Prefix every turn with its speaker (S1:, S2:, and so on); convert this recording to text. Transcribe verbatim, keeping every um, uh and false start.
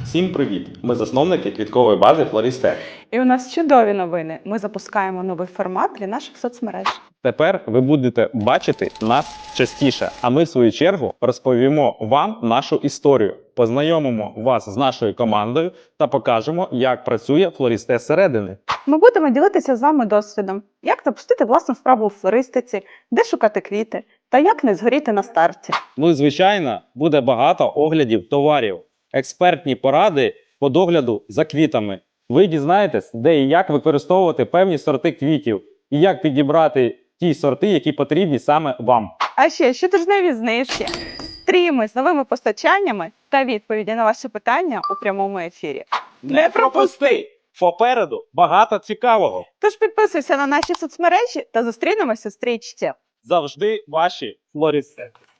S1: Всім привіт! Ми засновники квіткової бази Флористек.
S2: І у нас чудові новини. Ми запускаємо новий формат для наших соцмереж.
S1: Тепер ви будете бачити нас частіше, а ми, в свою чергу, розповімо вам нашу історію, познайомимо вас з нашою командою та покажемо, як працює Флористек зсередини.
S2: Ми будемо ділитися з вами досвідом, як запустити власну справу у флористиці, де шукати квіти та як не згоріти на старті.
S1: Ну і, звичайно, буде багато оглядів товарів, експертні поради по догляду за квітами. Ви дізнаєтесь, де і як використовувати певні сорти квітів, і як підібрати ті сорти, які потрібні саме вам.
S2: А ще щотижневі знижки, стріми з новими постачаннями та відповіді на ваші питання у прямому ефірі.
S1: Не пропусти! Попереду багато цікавого.
S2: Тож підписуйся на наші соцмережі та зустрінемося в стрічці.
S1: Завжди ваші Флористек.